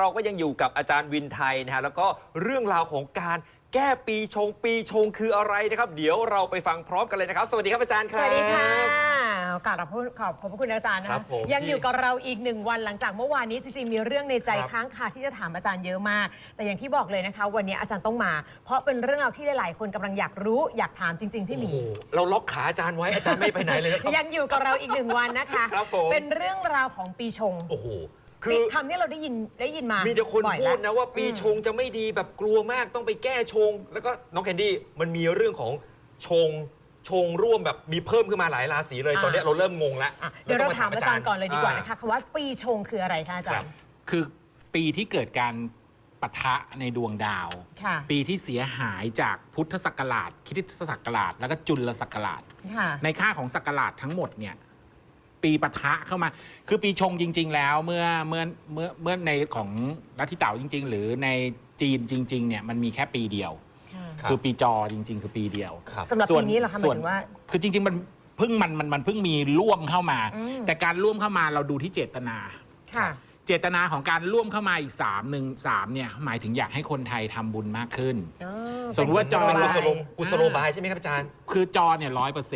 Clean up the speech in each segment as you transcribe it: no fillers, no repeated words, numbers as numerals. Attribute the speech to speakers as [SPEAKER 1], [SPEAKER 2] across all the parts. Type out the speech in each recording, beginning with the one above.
[SPEAKER 1] เราก็ยังอยู่กับอาจารย์วินไทยนะฮะแล้วก็เรื่องราวของการแก้ปีชงคืออะไรนะครับเดี๋ยวเราไปฟังพร้อมกันเลยนะครับสวัสดีครับอาจารย์ครับ
[SPEAKER 2] สวัสดีค่ะขอบพระคุณอาจารย์นะยังอยู่กับเราอีก1 วันหลังจากเมื่อวานนี้จริงๆมีเรื่องในใจค้างคาที่จะถามอาจารย์เยอะมากแต่อย่างที่บอกเลยนะคะวันนี้อาจารย์ต้องมาเพราะเป็นเรื่องราวที่หลายๆคนกำลังอยากรู้อยากถามจริงๆพี่หมี
[SPEAKER 1] เราล็อกขาอาจารย์ไว้อาจารย์ไม่ไปไหนเลยนะครับ
[SPEAKER 2] ยังอยู่กับเราอีก1 วันนะคะเป็นเรื่องราวของปีชง
[SPEAKER 1] โอ้โห
[SPEAKER 2] คือคำที่เราได้ยินมา
[SPEAKER 1] มีแต่คนพูดนะว่าปีชงจะไม่ดีแบบกลัวมากต้องไปแก้ชงแล้วก็น้องแคนดี้มันมีเรื่องของชงร่วมแบบมีเพิ่มขึ้นมาหลายราศีเลยตอนนี้เราเริ่มงงแล้ว
[SPEAKER 2] เดี๋ยวเราถามอาจารย์ก่อนเลยดีกว่านะคะคำว่าปีชงคืออะไรคะอาจารย์
[SPEAKER 3] คือปีที่เกิดการปะทะในดวงดาวปีที่เสียหายจากพุทธศักราชคริสตศักราชแล้วก็จุลศักราชในค่าของศักราชทั้งหมดเนี่ยปีปะทะเข้ามาคือปีชงจริงๆแล้วเมื่อในของลัทธิเต๋าจริงๆหรือในจีนจริงๆเนี่ยมันมีแค่ปีเดียวคือปีจอจริงๆคือปีเดียว
[SPEAKER 2] สำหรับปีนี้เหรอคะหมายถึงว่า
[SPEAKER 3] คือจริงๆมันเพิ่งมีร่วมเข้ามาแต่การร่วมเข้ามาเราดูที่เจตนาเจตนาของการร่วมเข้ามาอีก3เนี่ยหมายถึงอยากให้คนไทยทำบุญมากขึ้นสมมติว่าจอ
[SPEAKER 1] เป็นกุศโลบายใช่ไหมครับอาจารย์
[SPEAKER 3] คือจอเนี่ย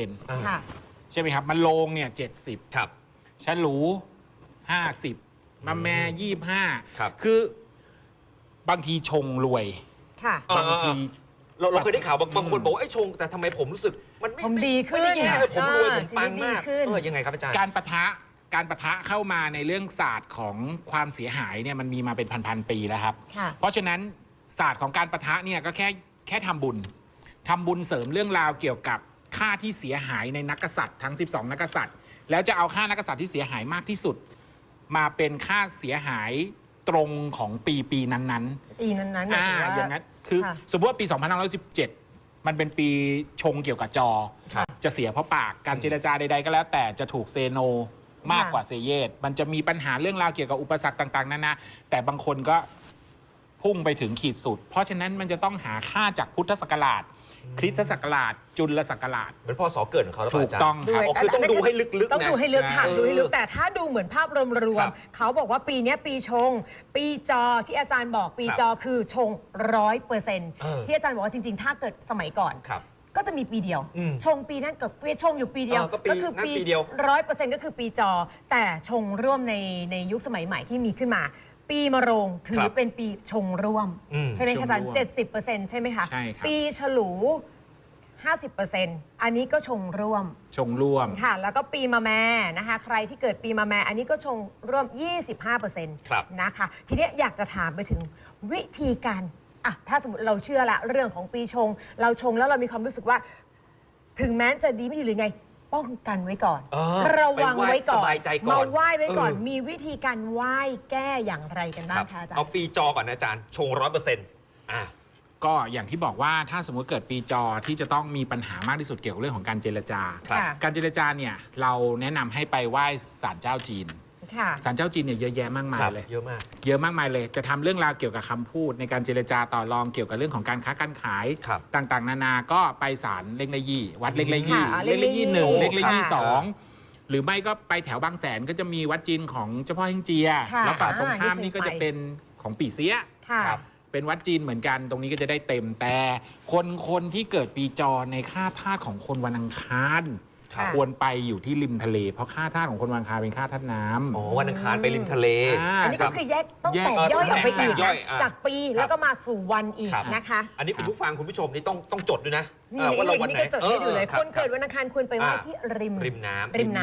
[SPEAKER 3] 100%ใช่ไหมครับมันโลงเนี่ย70
[SPEAKER 1] ครับ
[SPEAKER 3] ฉลู50มาแม่25
[SPEAKER 1] ครับ
[SPEAKER 3] คือบางทีชงรวยบางที
[SPEAKER 1] เราเคยได้ข่าวบางคนบอกว่าไอ้ชงแต่ทำไมผมรู้สึกมันไม่
[SPEAKER 2] ดีขึ้น
[SPEAKER 1] ผมรวยผมปังมากยังไงครับอาจารย์
[SPEAKER 3] การปะทะเข้ามาในเรื่องศาสตร์ของความเสียหายเนี่ยมันมีมาเป็นพันปีแล้วครับเพราะฉะนั้นศาสตร์ของการปะทะเนี่ยก็แค่ทำบุญเสริมเรื่องราวเกี่ยวกับค่าที่เสียหายในนักกษัตริย์ทั้ง12นักกษัตริย์แล้วจะเอาค่านักกษัตริย์ที่เสียหายมากที่สุดมาเป็นค่าเสียหายตรงของปีนั้นอย่างนั้นคือสมมติว่าปี2517มันเป็นปีชงเกี่ยวกับจอจะเสียเพราะปากการเจรจาใดๆก็แล้วแต่จะถูกเซโนมากกว่าเซเยสมันจะมีปัญหาเรื่องราวเกี่ยวกับอุปสรรคต่างๆนานาแต่บางคนก็พุ่งไปถึงขีดสุดเพราะฉะนั้นมันจะต้องหาค่าจากพุทธศักราชคริสตศักราชจุลศักราช
[SPEAKER 1] เหมือนพศเกิดของเขาแล้ว
[SPEAKER 3] ถูกต้อง
[SPEAKER 1] ครับคือต้องดูให้ลึกๆ
[SPEAKER 2] ต้องดูให้ลึกค่ะดูให้ลึกแต่ถ้าดูเหมือนภาพรวมๆเขาบอกว่าปีนี้ปีชงปีจอที่อาจารย์บอกปีจอคือชง100%ที่อาจารย์บอกว่าจริงๆถ้าเกิดสมัยก่อนก็จะมีปีเดียวชงปีนั้นกับปีชงอยู่ปีเดียวก็คือปี100%ก็คือปีจอแต่ชงร่วมในยุคสมัยใหม่ที่มีขึ้นมาปีมะโรงถือเป็นปีชงร่วมใช่ไหมคะอาจารย์70%ใช่ไหมคะปีฉลู 50% อันนี้ก็ชงร่วมค่ะแล้วก็ปีมะแม่นะคะใครที่เกิดปีมะแม่อันนี้ก็ชงร่วม 25% นะคะทีนี้อยากจะถามไปถึงวิธีการถ้าสมมติเราเชื่อละเรื่องของปีชงเราชงแล้วเรามีความรู้สึกว่าถึงแม้จะดีไม่ดีหรือไงป้องกันไว้ก่อนระวังไว้ก่อนมาไหว้ไว้ก่อนมีวิธีการไหว้แก้อย่างไรกันบ้างคะอาจารย์
[SPEAKER 1] เอาปีจอก่อนนะอาจารย์ชง100%
[SPEAKER 3] ก็อย่างที่บอกว่าถ้าสมมุติเกิดปีจอที่จะต้องมีปัญหามากที่สุดเกี่ยวกับเรื่องของการเจรจาการเจรจาเนี่ยเราแนะนำให้ไปไหว้ศาลเจ้าจีนศาลเจ้าจีนเนี่ยเยอะแยะมากมายเลย
[SPEAKER 1] เยอะ
[SPEAKER 3] มากมายเลยจะทำเรื่องราวเกี่ยวกับคำพูดในการเจรจาต่อรองเกี่ยวกับเรื่องของการค้าการขายต่างๆนานาก็ไปศาลเล็กละยี่วัดเล็กละยี่1เล็กละยี่2หรือไม่ก็ไปแถวบางแสนก็จะมีวัดจีนของเจ้าพ่อเฮงเจียแล้วฝั่งตรงข้ามนี่ก็จะเป็นของปี่เสียเป็นวัดจีนเหมือนกันตรงนี้ก็จะได้เต็มแต่คนที่เกิดปีจอในค่าธาตุของคนวันอังคารควรไปอยู่ที่ริมทะเลเพราะค่าธาตุของคนวันอังคารเป็นค่าธาตุน้
[SPEAKER 1] ำวันอังคารไปริมทะเล
[SPEAKER 2] อันนี้ก็คือแยกต้องแตกย่อยออกไปอีกจากปีแล้วก็มาสู่วันอีกนะคะ
[SPEAKER 1] อันนี้คุณผู้ฟังคุณผู้ชมนี่ต้องจดด้วยนะ
[SPEAKER 2] ว่าเราวันไหนก็จดให้ดูเลยคนเกิดวันอังคารควรไปไหว้ที่ริมน้ำริม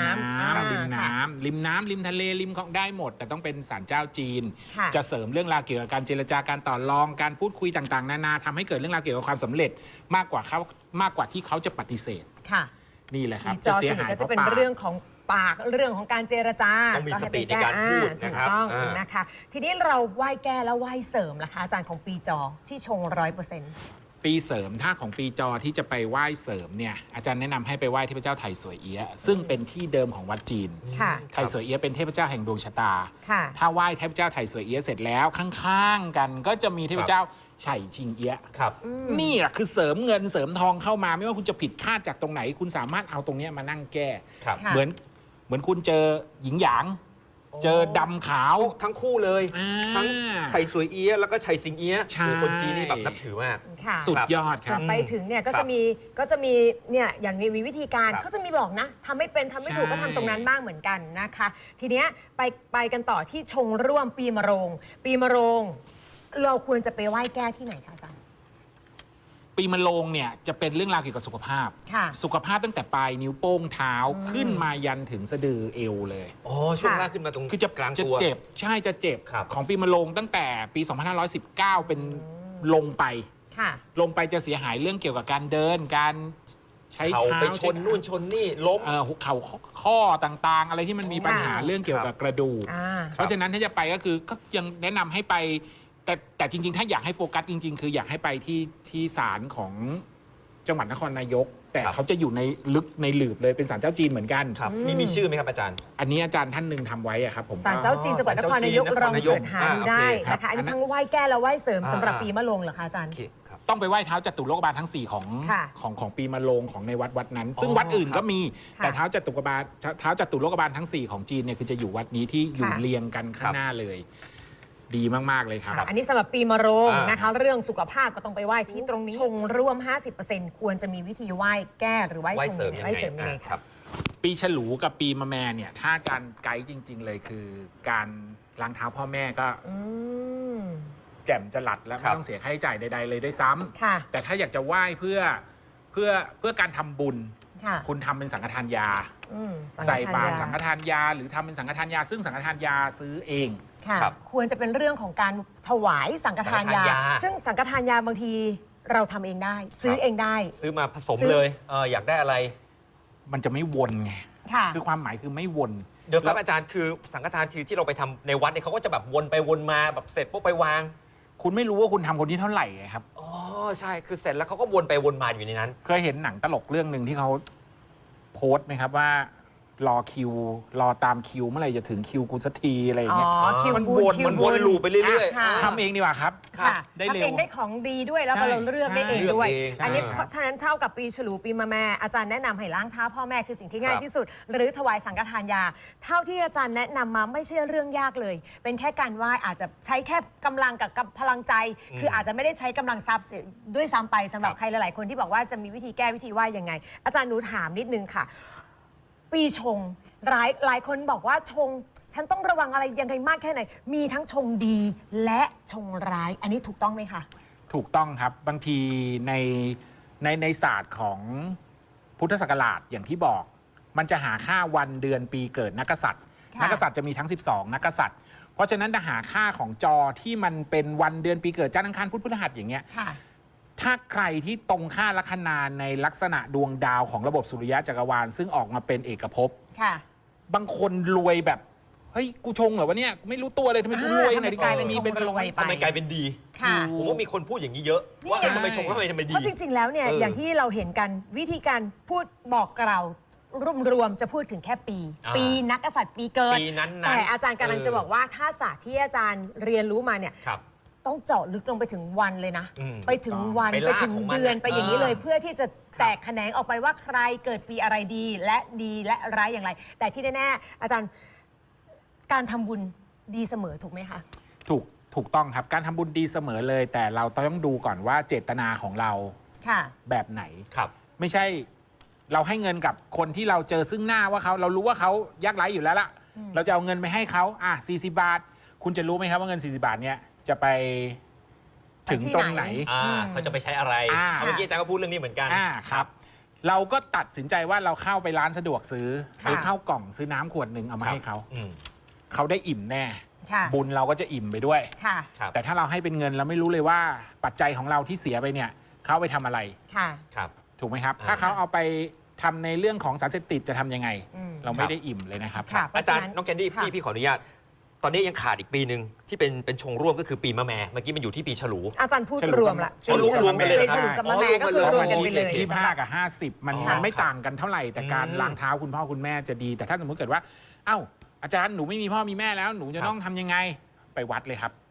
[SPEAKER 3] ทะเลริมของได้หมดแต่ต้องเป็นศาลเจ้าจีนจะเสริมเรื่องราวเกี่ยวกับการเจรจาการต่อรองการพูดคุยต่างๆนานาทำให้เกิดเรื่องราวเกี่ยวกับความสำเร็จมากกว่าที่เขาจะปฏิเสธนี่แหละครับ
[SPEAKER 2] จะเสียหายก็จะเป็นเรื่องของปากเรื่องของการเจรจา
[SPEAKER 1] ต้องมีสติในการพูดนะครับ
[SPEAKER 2] ต้องนะคะทีนี้เราไหว้แก้แล้วไหว้เสริมล่ะคะอาจารย์ของปีจอที่ชง100%
[SPEAKER 3] ปีเสริมถ้าของปีจอที่จะไปไหว้เสริมเนี่ยอาจารย์แนะนำให้ไปไหว้เทพเจ้าไถ่สวยเอี้ยซึ่งเป็นที่เดิมของวัดจีนไถ่สวยเอี้ยเป็นเทพเจ้าแห่งดวงชะตาถ้าไหว้เทพเจ้าไถ่สวยเอี้ยเสร็จแล้วข้างๆกันก็จะมีเทพเจ้าไฉชิงเอี้ยนี่แหละคือเสริมเงินเสริมทองเข้ามาไม่ว่าคุณจะผิดพลาดจากตรงไหนคุณสามารถเอาตรงนี้มานั่งแก้เหมือนคุณเจอหญิงหยางเจอดำขาว
[SPEAKER 1] ทั้งคู่เลย ทั้งไฉสวยเอี้ยะแล้วก็ไฉสิงเอี้ยะ
[SPEAKER 3] ใช่
[SPEAKER 1] คือคนจีนนี่แบบนับถือมาก
[SPEAKER 2] ค่ะ
[SPEAKER 3] สุดยอดค
[SPEAKER 2] ส่
[SPEAKER 3] รั
[SPEAKER 2] ว
[SPEAKER 3] บ
[SPEAKER 2] นไปถึงเนี่ยก็
[SPEAKER 1] ครั
[SPEAKER 2] จะ
[SPEAKER 1] บ
[SPEAKER 2] มีเนี่ยอย่างมีวิธีการ
[SPEAKER 1] ครับ
[SPEAKER 2] เขาจะมีบอกนะทำไม่เป็นทำไม่ถูก
[SPEAKER 3] ใช่
[SPEAKER 2] ก็ทำตรงนั้นบ้างเหมือนกันนะคะ ทีเนี้ยไปกันต่อที่ชงร่วมปีมะโรง ปีมะโรง เราควรจะไปไหว้แก้ที่ไหนคะอาจารย์
[SPEAKER 3] ปีมะโรงเนี่ยจะเป็นเรื่องราวเกี่ยวกับสุขภาพ
[SPEAKER 2] ค่ะ
[SPEAKER 3] สุขภาพตั้งแต่ปลายนิ้วโป้งเท้าขึ้นมายันถึงสะดือเอวเลย
[SPEAKER 1] อ๋อช่วง
[SPEAKER 2] ค่ะ
[SPEAKER 1] ล่างขึ้นมาตรง
[SPEAKER 3] คือจะ
[SPEAKER 1] กลาง
[SPEAKER 3] จะ
[SPEAKER 1] ตัว
[SPEAKER 3] เจ็บใช่จะเจ็บ
[SPEAKER 1] ครับ
[SPEAKER 3] ของปีมะโรงตั้งแต่ปี 2519 เป็นลงไป
[SPEAKER 2] ค่ะ
[SPEAKER 3] ลงไปจะเสียหายเรื่องเกี่ยวกับการเดินการใช้
[SPEAKER 1] เขา
[SPEAKER 3] เท้า
[SPEAKER 1] ไปชนนู่นชนนี่ล้ม
[SPEAKER 3] หัวเข่าข้อต่างๆ อะไรที่มันมีปัญหา
[SPEAKER 2] ค่ะ
[SPEAKER 3] เรื่องเกี่ยวกับกระดูก
[SPEAKER 2] อ่า
[SPEAKER 3] เพราะฉะนั้นถ้าจะไปก็คือก็ยังแนะนำให้ไป แต่จริงๆ ถ้าอยากให้โฟกัสจริง ๆ คืออยากให้ไปที่ศาลของจังหวัดนครนายก แต่
[SPEAKER 1] ครับ
[SPEAKER 3] เขาจะอยู่ในลึกในหลืบเลยเป็นศาลเจ้าจีนเหมือนกัน
[SPEAKER 1] ครับมีชื่อไหมครับอาจารย์
[SPEAKER 3] อันนี้อาจารย์ท่านหนึ่งทำไว้อะครับผม
[SPEAKER 2] ศาลเจ้าจีนจังหวัดนครนายก
[SPEAKER 1] ศาล
[SPEAKER 2] ล
[SPEAKER 1] เจ้า
[SPEAKER 2] อง
[SPEAKER 1] จีนนครนายก
[SPEAKER 2] เสิร์ชหาดูได้
[SPEAKER 1] โอเคครับ
[SPEAKER 2] นะคะ อันนี้ทั้งไหว้แก้และไหว้เสริมสำหรับ
[SPEAKER 1] อ่า
[SPEAKER 2] ปีมะโรงเหรอคะอาจารย์
[SPEAKER 1] โอเคครับ
[SPEAKER 3] ต้องไปไหว้เท้าจตุโลกบาลทั้ง 4 ของ
[SPEAKER 2] ค่ะ
[SPEAKER 3] ของปีมะโรงของในวัดนั้น ซึ่ง
[SPEAKER 1] อ๋อ
[SPEAKER 3] วัดอื่น
[SPEAKER 1] ครับ
[SPEAKER 3] ก็มี
[SPEAKER 2] ค่ะ
[SPEAKER 3] แต่เท้าจตุโลกบาลทั้ง 4 ของจีนเนี่ยคือจะอยู่วัดนี้ที่อยู่
[SPEAKER 2] ค่ะ
[SPEAKER 3] เรียงกันข้า
[SPEAKER 1] ครั
[SPEAKER 3] ง
[SPEAKER 1] บ
[SPEAKER 3] หน้าเลย ดีมากๆเลยครับ
[SPEAKER 2] ค่ะอันนี้สำหรับปีมะโรง
[SPEAKER 1] อ่าน
[SPEAKER 2] นะคะ เรื่องสุขภาพก็ต้องไปไหว้ที่ตรงนี้ ชงร่วม 50%ควรจะมีวิธีไหว้แก้หรือไหว้
[SPEAKER 1] ไหว้
[SPEAKER 2] ชง
[SPEAKER 1] เสริม
[SPEAKER 2] ยัง
[SPEAKER 1] ยัง
[SPEAKER 2] ไง
[SPEAKER 1] ไง
[SPEAKER 2] ไหว้เสริมยังไง
[SPEAKER 1] ค
[SPEAKER 2] คะ
[SPEAKER 1] รับ
[SPEAKER 3] ปีฉลูกับปีมะแม่เนี่ยถ้าอาจารย์ไกด์จริง ๆ เลยคือการล้างเท้าพ่อแม่ก็
[SPEAKER 2] อืม
[SPEAKER 3] แจ่มจะหลัดและ
[SPEAKER 1] ครั
[SPEAKER 3] ไม่
[SPEAKER 1] บ
[SPEAKER 3] ต้องเสียค่าใช้จ่ายใด ๆ เลยด้วยซ้ำ
[SPEAKER 2] ค่ะ
[SPEAKER 3] แต่ถ้าอยากจะไหว้เพื่อการทำบุญ
[SPEAKER 2] ค่ะ
[SPEAKER 3] คุณทำเป็นสังฆทานยา
[SPEAKER 2] อืม
[SPEAKER 3] ใส่บาตร
[SPEAKER 2] สั
[SPEAKER 3] สั
[SPEAKER 2] ง
[SPEAKER 3] ง
[SPEAKER 2] ฆ
[SPEAKER 3] ฆ
[SPEAKER 2] ทาน
[SPEAKER 3] ทานยา หรือทำเป็นสังฆทานยา ซึ่งสังฆทานยาซื้อเอง
[SPEAKER 2] ค่ะ
[SPEAKER 1] ครับ
[SPEAKER 2] ควรจะเป็นเรื่องของการถวายสังฆทานยา
[SPEAKER 1] สังฆทานยา
[SPEAKER 2] ซึ่งสังฆทานยาบางทีเราทำเองได้ ซื้อเองได้
[SPEAKER 1] ซื้อมาผสม
[SPEAKER 2] ซื้อ
[SPEAKER 1] เลยอยากได้อะไร
[SPEAKER 3] มันจะไม่วนไง
[SPEAKER 2] ค่ะ
[SPEAKER 3] คือความหมายคือไม่วน
[SPEAKER 1] เดี๋ยวครับอาจารย์คือสังฆทานที่เราไปทำในวัดเนี่ยเขาก็จะแบบวนไปวนมาแบบเสร็จปุ๊บไปวาง
[SPEAKER 3] คุณไม่รู้ว่าคุณทำคนที่เท่าไหร่ไงครับ
[SPEAKER 1] อ๋อใช่คือเสร็จแล้วเขาก็วนไปวนมาอยู่ในนั้น
[SPEAKER 3] เคยเห็นหนังตลกเรื่องหนึ่งที่เขาโพสต์ไหมครับว่ารอคิว รอตามคิวเมื่อไหร่จะถึงคิวกูสักทีอะไรอย่าง
[SPEAKER 2] อ๋อ
[SPEAKER 3] เงี้ย
[SPEAKER 2] คิว
[SPEAKER 3] มัน
[SPEAKER 2] บุญ
[SPEAKER 3] วน
[SPEAKER 2] คิว
[SPEAKER 1] มัน
[SPEAKER 2] บุ
[SPEAKER 1] วน
[SPEAKER 2] ญ
[SPEAKER 1] ลูปไปเรื่อย
[SPEAKER 2] ค่ะ
[SPEAKER 3] ทำเองดีกว่าครับ
[SPEAKER 2] ค่ะ
[SPEAKER 3] ได้เร็ว
[SPEAKER 2] ทำเองได้ของดีด้วยแล้วก็
[SPEAKER 3] ใช่
[SPEAKER 2] เราเลือกได้
[SPEAKER 3] ใช่
[SPEAKER 2] เองด้วย
[SPEAKER 1] เลือกเอง
[SPEAKER 2] อันนี้
[SPEAKER 3] ใช่ครับ
[SPEAKER 2] ท่านั้นเท่ากับปีฉลูปีมะแม่อาจารย์แนะนำให้ล้างเท้าพ่อแม่คือสิ่งที่ง่าย
[SPEAKER 1] ครับ
[SPEAKER 2] ที่สุด หรือถวายสังฆทานยา เท่าที่อาจารย์แนะนำมาไม่ใช่เรื่องยากเลย เป็นแค่การไหว้อาจจะใช้แค่กำลังกับพลังใจ คืออาจจะไม่ได้ใช้กำลังทรัพย์ด้วยซ้ำไปสำหรับ
[SPEAKER 1] ครับ
[SPEAKER 2] ใครหลายๆคนที่บอกว่าจะมีวิธีแก้วิธีไหว้ยังไง อาจารย์หนูถามนิดนึงค่ะ ปีชงหลายคนบอกว่าชง ฉันต้องระวังอะไรยังไงมากแค่ไหน มีทั้งชงดีและชงร้าย อันนี้ถูกต้องไหมคะ
[SPEAKER 3] ถูกต้องครับ บางทีในศาสตร์ของพุทธศักราชอย่างที่บอก มันจะหาค่าวันเดือนปีเกิดนักกษัตริย์
[SPEAKER 2] ค่ะ
[SPEAKER 3] นักกษัตริย์จะมีทั้ง 12 นักกษัตริย์ เพราะฉะนั้นถ้าหาค่าของจอที่มันเป็นวันเดือนปีเกิดจันทร์อังคารพุธพฤหัสอย่างเงี้ย
[SPEAKER 2] ค่ะ
[SPEAKER 3] ถ้าใครที่ตรงค่าลัคนาในลักษณะดวงดาวของระบบสุริยะจักรวาลซึ่งออกมาเป็นเอกภพ
[SPEAKER 2] ค่ะ
[SPEAKER 3] บางคนรวยแบบ เฮ้ย กูชงเหรอวะเนี่ยไม่รู้ตัวเลยทำไมกูรวยขนาดนี้
[SPEAKER 2] กลายเป็น
[SPEAKER 3] มี
[SPEAKER 2] ชงรวย
[SPEAKER 1] ทำไมกลายเป็นดี
[SPEAKER 2] ค่ะ
[SPEAKER 1] ผมว่ามีคนพูดอย่างนี้เยอะ ว่า
[SPEAKER 2] นี่
[SPEAKER 1] ทำไมชงแล้วทำไมดี
[SPEAKER 2] เพราะจริง ๆ แล้วเนี่ย อย่างที่เราเห็นกันวิธีการพูดบอกกล่าวรวมๆจะพูดถึงแค่ปี
[SPEAKER 1] อ่า
[SPEAKER 2] ปีนักกษัตริย์ปีเกิด
[SPEAKER 1] ปีนั้นๆ
[SPEAKER 2] แต่อาจารย์กำลังจะบอกว่าถ้าศาสตร์ที่อาจารย์เรียนรู้มาเนี่ย
[SPEAKER 1] ครับ
[SPEAKER 2] ต้องเจาะลึกลงไปถึงวันเลยนะ
[SPEAKER 1] อืม
[SPEAKER 2] ไปถึงวัน
[SPEAKER 1] ไป
[SPEAKER 2] ไป
[SPEAKER 1] ลาก
[SPEAKER 2] ถึง
[SPEAKER 1] ของมัน
[SPEAKER 2] เดือน
[SPEAKER 1] น่ะ
[SPEAKER 2] ไปอย่างนี้เลย
[SPEAKER 1] อ่า
[SPEAKER 2] เพื่อที่จะแตกแขนงออกไปว่าใครเกิดปีอะไรดีและร้ายอย่างไร แต่ที่แน่ๆอาจารย์การทำบุญดีเสมอถูกไหมคะ
[SPEAKER 3] ถูกต้องครับการทำบุญดีเสมอเลย แต่เราต้องดูก่อนว่าเจตนาของเรา
[SPEAKER 2] ค่ะ
[SPEAKER 3] แบบไหน
[SPEAKER 1] ครับ
[SPEAKER 3] ไม่ใช่เราให้เงินกับคนที่เราเจอซึ่งหน้าว่าเรารู้ว่าเขายากไร้อยู่แล้วล่ะ เราจะเอาเงินไปให้เขา40 บาท คุณจะรู้ไหมครับว่าเงิน40 บาทเนี่ยจะไปถึงตรงไหน
[SPEAKER 1] เขาจะไปใช้อะไร
[SPEAKER 3] อ่า
[SPEAKER 1] เมื่อกี้อาจารย์ก็พูดเรื่องนี้เหมือนกัน
[SPEAKER 3] ครับ เราก็ตัดสินใจว่าเราเข้าไปร้านสะดวกซื้อข้าวกล่องซื้อน้ำขวดหนึ่งเอามาให้เขา
[SPEAKER 1] อืม
[SPEAKER 3] เขาได้อิ่มแน่
[SPEAKER 2] ค่ะ
[SPEAKER 3] บุญเราก็จะอิ่มไปด้วย
[SPEAKER 2] ค่ะ
[SPEAKER 1] ครับ
[SPEAKER 3] แต่ถ้าเราให้เป็นเงินเราไม่รู้เลยว่าปัจจัยของเราที่เสียไปเนี่ยเขาเอาไปทำอะไร
[SPEAKER 2] ค่ะ
[SPEAKER 1] ครับ
[SPEAKER 3] ถูกไหมครับ
[SPEAKER 1] อ่า
[SPEAKER 3] ถ้าเขาเอาไปทำในเรื่องของสารเสพติดจะทำยังไง
[SPEAKER 2] อืม
[SPEAKER 3] เราไม่ได้อิ่มเลยนะครับ
[SPEAKER 2] ค่ะ
[SPEAKER 1] อาจารย์น้องแคนดี้
[SPEAKER 2] ค่ะ
[SPEAKER 1] พี่ขออนุญาต ตอนนี้ยังขาดอีกปีหนึ่งที่เป็นชงร่วมก็คือปีมะแม่เมื่อกี้มันอยู่ที่ปีฉลู
[SPEAKER 2] อาจารย์พูด
[SPEAKER 3] ฉลุ
[SPEAKER 2] รวมละ
[SPEAKER 3] ฉลุรวมกันเลย
[SPEAKER 2] ปีฉลูกับมะแม่ก็คือรวมกันไปเลย
[SPEAKER 3] ที่5 กับ 50 มัน
[SPEAKER 1] อ๋อ
[SPEAKER 3] มันไม่ต่างกันเท่าไหร่ แต่การ
[SPEAKER 1] อืม
[SPEAKER 3] ล้างเท้าคุณพ่อคุณแม่จะดี แต่ถ้าสมมติเกิดว่า เอ้า อาจารย์หนูไม่มีพ่อมีแม่แล้วหนูจะต้องทำยังไงไปวัดเลยครับ ไป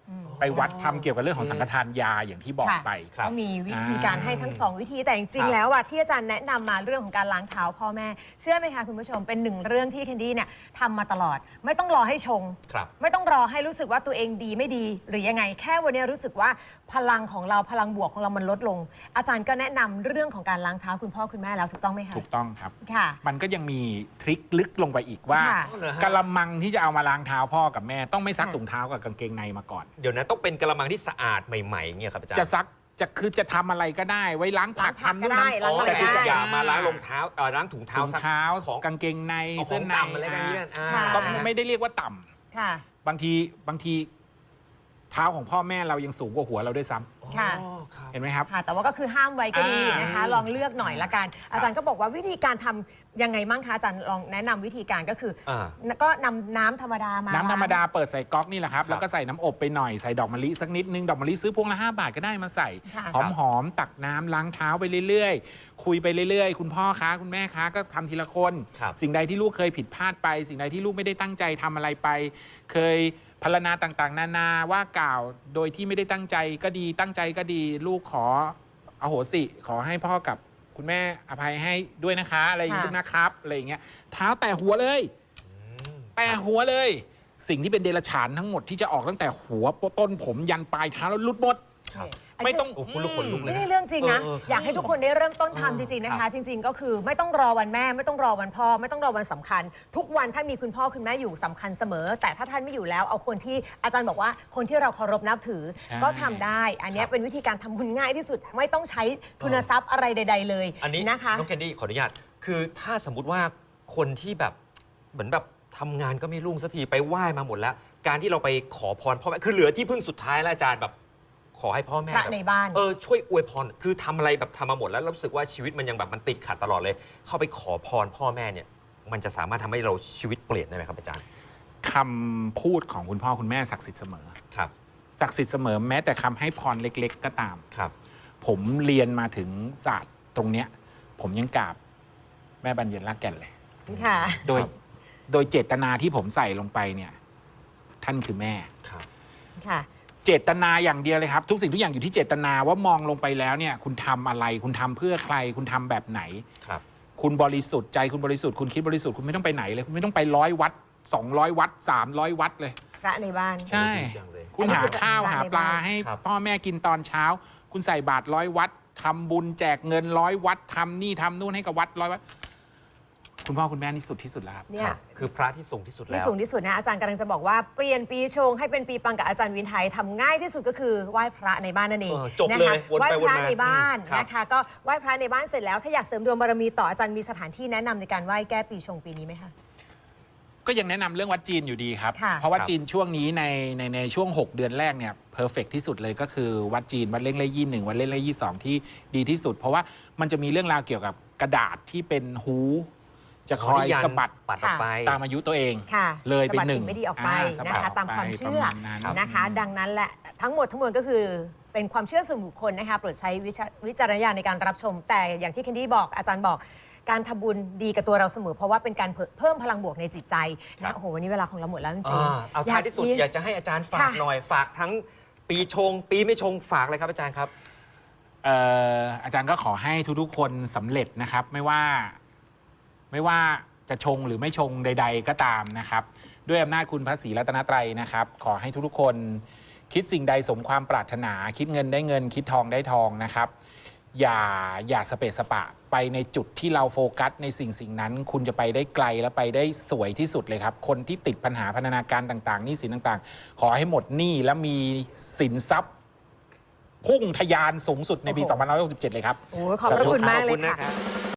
[SPEAKER 3] ไปวัดทำเกี่ยวกับเรื่องของสังฆทานยาอย่างที่บอก
[SPEAKER 2] ค่ะ
[SPEAKER 3] ไป
[SPEAKER 1] ครับ
[SPEAKER 2] ก็มีวิธีการให้ทั้งสองวิธีแต่จริงๆแล้วอะที่อาจารย์แนะนำมาเรื่องของการล้างเท้าพ่อแม่ เชื่อไหมคะคุณผู้ชมเป็นหนึ่งเรื่องที่แคนดี้เนี่ยทำมาตลอด ไม่ต้องรอให้ชง
[SPEAKER 1] ครับ
[SPEAKER 2] ไม่ต้องรอให้รู้สึกว่าตัวเองดีไม่ดี หรือยังไงแค่วันนี้รู้สึกว่าพลังของเราพลังบวกของเรามันลดลง อาจารย์ก็แนะนำเรื่องของการล้างเท้าคุณพ่อคุณแม่แล้วถูกต้องไหมคะ
[SPEAKER 3] ถูกต้องครับ
[SPEAKER 2] ค่ะ
[SPEAKER 3] มันก็ยังมีทริคลึกลงไปอีกว่า
[SPEAKER 2] ค่ะ
[SPEAKER 1] อ๋อเหรอฮะ
[SPEAKER 3] กะละมังที่จะเอามาล้างเท้าพ่อกับแม่ต้องไม่ซักถุงเท้ากับกางเกงในมาก่อน
[SPEAKER 1] เดี๋ยวนะต้องเป็นกระมังที่สะอาดใหม่ๆอย่างเงี้ยครับอาจารย์
[SPEAKER 3] จะซักคือจะทำอะไรก็ได้ ไว้ล้างผัก
[SPEAKER 2] ล้างผัก
[SPEAKER 3] ทำนู่น
[SPEAKER 2] ก็ได้
[SPEAKER 3] ทำ
[SPEAKER 2] ล้าง
[SPEAKER 1] อ๋อ
[SPEAKER 2] อะไร
[SPEAKER 1] แต่
[SPEAKER 2] ก็
[SPEAKER 1] คือ
[SPEAKER 2] ได้
[SPEAKER 1] อย่ามาล้างรองเท้าล้างถุงเท้า
[SPEAKER 3] ถุงเท้า
[SPEAKER 1] ของ
[SPEAKER 3] กางเกงใน
[SPEAKER 1] เอาข
[SPEAKER 3] เสื้
[SPEAKER 1] อ
[SPEAKER 3] อง ใน
[SPEAKER 1] ต่ำอะไรกันนี้อ่า
[SPEAKER 2] ค่ะ
[SPEAKER 3] ก็ไม่ได้เรียกว่าต่ำ
[SPEAKER 2] ค่ะ
[SPEAKER 3] บางทีเท้าของพ่อแม่เรายังสูงกว่าหัวเราด้วยซ้ำ
[SPEAKER 2] ค่ะ
[SPEAKER 1] อ๋อครับ
[SPEAKER 3] เห็นไหมครับ
[SPEAKER 2] ค่ะ แต่ว่าก็คือห้ามไว้ก็ดีนะคะ ลองเลือกหน่อยละกัน อาจารย์ก็บอกว่าวิธีการทำยังไงมั่งคะอาจารย์ลองแนะนำวิธีการก็คืออา ก็นำน้ำธรรมดามา
[SPEAKER 3] น้ำธรรมดาเปิดใส่ก๊อกนี่แหละครับ
[SPEAKER 1] ครับ
[SPEAKER 3] แล้วก็ใส่น้ำอบไปหน่อยใส่ดอกมะลิสักนิดนึงดอกมะลิซื้อพวงละ5 บาทก็ได้มาใส่
[SPEAKER 2] ค่ะ
[SPEAKER 3] หอมๆตักน้ำล้างเท้าไปเรื่อยๆ คุยไปเรื่อยๆ คุณพ่อคะคุณแม่คะก็ทำทีละคน
[SPEAKER 1] ครับ
[SPEAKER 3] สิ่งใดที่ลูกเคยผิดพลาดไป สิ่งใดที่ลูกไม่ได้ตั้งใจทำอะไรไป เคยพรรณนาต่างๆ นานาว่ากล่าวโดยที่ไม่ได้ตั้งใจก็ดีตั้งใจก็ดี ลูกขออโหสิขอให้พ่อกับคุณแม่อภัยให้ด้วยนะคะอะไรอย่างนี้นะครับอะไรอย่างเงี้ยเท้าแต่หัวเลย แต่หัวเลย สิ่งที่เป็นเดรัจฉานทั้งหมดที่จะออกตั้งแต่หัวต้นผมยันปลายเท้าแล้วหลุดหมด
[SPEAKER 1] ครับ
[SPEAKER 3] ไม่ต้อง
[SPEAKER 1] โอ้คุณลูกขนลุกเลย
[SPEAKER 2] นี่เรื่องจริงนะ
[SPEAKER 1] ครับ
[SPEAKER 2] อยากให้ทุกคนได้เริ่มต้นทำ
[SPEAKER 1] เออ
[SPEAKER 2] จริงๆนะ
[SPEAKER 1] ครั
[SPEAKER 2] คะ
[SPEAKER 1] บ
[SPEAKER 2] จริง ๆ ก็คือไม่ต้องรอวันแม่ ไม่ต้องรอวันพ่อ ไม่ต้องรอวันสำคัญ ทุกวันถ้ามีคุณพ่อคุณแม่อยู่สำคัญเสมอ แต่ถ้าท่านไม่อยู่แล้วเอาคนที่อาจารย์บอกว่าคนที่เราเคารพนับถือ
[SPEAKER 3] ใช่
[SPEAKER 2] ก็ทำได้ อันเนี้ยเป็นวิธีการทำบุญง่ายที่สุด ไม่ต้องใช้ทุนทรัพย์อะไรใด ๆ เลย
[SPEAKER 1] อันนี้
[SPEAKER 2] นะคะ
[SPEAKER 1] น้องแคนดี้ขออนุญาตคือถ้าสมมุติว่าคนที่แบบเหมือนแบบทำงานก็ไม่รุ่งสักทีไปไหว้มาหมดแล้ว การที่เราไปขอพรพ่อแม่คือเหลือที่พึ่งสุดท้ายแล้วอาจารย์แบบขอให้พ่อแม่
[SPEAKER 2] พระ
[SPEAKER 1] แบบ
[SPEAKER 2] ในบ้าน
[SPEAKER 1] ช่วยอวยพรคือทำอะไรแบบทำมาหมดแล้วรู้สึกว่าชีวิตมันยังแบบมันติดขัดตลอดเลย เข้าไปขอพรพ่อแม่เนี่ยมันจะสามารถทำให้เราชีวิตเปลี่ยนได้ไหมครับอาจารย์
[SPEAKER 3] คำพูดของคุณพ่อคุณแม่ศักดิ์สิทธิ์เสมอ
[SPEAKER 1] ครับ
[SPEAKER 3] ศักดิ์สิทธิ์เสมอแม้แต่คำให้พรเล็ก ๆ ก็ตาม
[SPEAKER 1] ครับ
[SPEAKER 3] ผมเรียนมาถึงศาสตร์ตรงเนี้ย ผมยังกราบแม่บรรเย็นรักแก่นเลย
[SPEAKER 2] ค่ะ
[SPEAKER 3] โดยเจตนาที่ผมใส่ลงไปเนี่ย ท่านคือแม่
[SPEAKER 1] ครับ
[SPEAKER 2] ค่ะ
[SPEAKER 3] เจตนาอย่างเดียวเลยครับ ทุกสิ่งทุกอย่างอยู่ที่เจตนาว่ามองลงไปแล้วเนี่ย คุณทำอะไร คุณทำเพื่อใคร คุณทำแบบไหน
[SPEAKER 1] ครับ
[SPEAKER 3] คุณบริสุทธิ์ใจคุณบริสุทธิ์คุณคิดบริสุทธิ์คุณไม่ต้องไปไหนเลย คุณไม่ต้องไป100 วัด 200 วัด 300 วัดเลย
[SPEAKER 2] พระในบ้าน
[SPEAKER 3] ใช่
[SPEAKER 1] โอ้ดีจังเลย
[SPEAKER 3] คุณหาข้าว
[SPEAKER 2] อันนี้คือ
[SPEAKER 3] หาปลาให้
[SPEAKER 1] ครับ
[SPEAKER 3] พ่อแม่กินตอนเช้า คุณใส่บาตร100 วัดทำบุญแจกเงิน100 วัดทำนี่ทำนู่นให้กับวัด100 วัด คุณพ่อคุณแม่นี่สุดที่สุดแล้วครับ
[SPEAKER 2] เนี่ย
[SPEAKER 1] คือพระที่สูงที่สุด
[SPEAKER 2] ที่
[SPEAKER 1] แล้ว
[SPEAKER 2] สูงที่สุดนะอาจารย์กำลังจะบอกว่าเปลี่ยนปีชงให้เป็นปีปังกับอาจารย์วินไทยทำง่ายที่สุดก็คือไหว้พระในบ้านนั่นเอง
[SPEAKER 1] จบ
[SPEAKER 2] นะ
[SPEAKER 1] เล
[SPEAKER 2] คะ
[SPEAKER 1] ยวน
[SPEAKER 2] ไหว้
[SPEAKER 1] ไป
[SPEAKER 2] พ
[SPEAKER 1] วน
[SPEAKER 2] ระ
[SPEAKER 1] มา
[SPEAKER 2] ในบ้าน
[SPEAKER 1] ครับ
[SPEAKER 2] นะคะก็ไหว้พระในบ้านเสร็จแล้วถ้าอยากเสริมดวงบารมีต่ออาจารย์มีสถานที่แนะนำในการไหว้แก้ปีชงปีนี้ไหมคะ
[SPEAKER 3] ก็ยังแนะนำเรื่องวัดจีนอยู่ดีครับ
[SPEAKER 2] ค่ะ
[SPEAKER 3] เพราะวัด
[SPEAKER 1] ครับ
[SPEAKER 3] จีนช่วงนี้ในช่วง 6 เดือนแรกเนี่ยเพอร์เฟกที่สุดเลยก็คือวัดจีนวัดเล่งเล่ยี่หนึ่งวัดเล่งเล่ยี่สองที่ดีที่สุด เพราะว่ามันจะมีเรื่องราวเกี่ยวกับกระดาษที่เป็นฮูจะคอยสะบัด
[SPEAKER 1] ปัดออกไป
[SPEAKER 3] ตามอายุตัวเอง
[SPEAKER 2] ค่ะ
[SPEAKER 3] เลยเป็น
[SPEAKER 2] สะบัด
[SPEAKER 3] หนึ่ง
[SPEAKER 2] สิ่ไม่ดีออกไป
[SPEAKER 3] สะบั
[SPEAKER 2] นะ
[SPEAKER 3] ด
[SPEAKER 2] คะ
[SPEAKER 3] ก
[SPEAKER 2] ตามความ
[SPEAKER 3] ไป
[SPEAKER 2] เชื่อ
[SPEAKER 3] ประมาณนั้น
[SPEAKER 2] นะคะ ดังนั้นแหละทั้งหมดทั้งมวลก็คือเป็นความเชื่อส่วนบุคคลนะคะโปรดใช้วิจารณญาณในการรับชม แต่อย่างที่เคนดี้บอกอาจารย์บอกการทำบุญดีกับตัวเราเสมอ เพราะว่าเป็นการเพิ่มพลังบวกในจิตใจ
[SPEAKER 1] ครั
[SPEAKER 2] นะ
[SPEAKER 1] บ
[SPEAKER 2] โอ้โหวันนี้เวลาของเราหมดแล้วจริง
[SPEAKER 1] เอาท้ายที่สุดอยากจะให้อาจารย์ฝาก
[SPEAKER 2] ค่ะ
[SPEAKER 1] หน่อยฝากทั้งปีชง ปีไม่ชงฝากเลยครับอาจารย์ครับ
[SPEAKER 3] อาจารย์ก็ขอให้ทุกๆคนสำเร็จนะครับ ไม่ว่าจะชงหรือไม่ชงใด ๆ ก็ตามนะครับ ด้วยอำนาจคุณพระศรีรัตนตรัยนะครับ ขอให้ทุกๆคนคิดสิ่งใดสมความปรารถนา คิดเงินได้เงิน คิดทองได้ทองนะครับ อย่าสเปะสปะไปในจุดที่เราโฟกัสในสิ่งนั้น คุณจะไปได้ไกลและไปได้สวยที่สุดเลยครับ คนที่ติดปัญหาพันธนาการต่างๆหนี้สินต่างๆ ขอให้หมดหนี้และมีสินทรัพย์พุ่งทะยานสูงสุดในปี
[SPEAKER 2] โอ้โห
[SPEAKER 3] 2567เลยครับ
[SPEAKER 2] ๆโอ้โหขอบพระคุณมากเลย
[SPEAKER 1] ขอบคุณนะ
[SPEAKER 2] ค่ะ
[SPEAKER 1] ครับ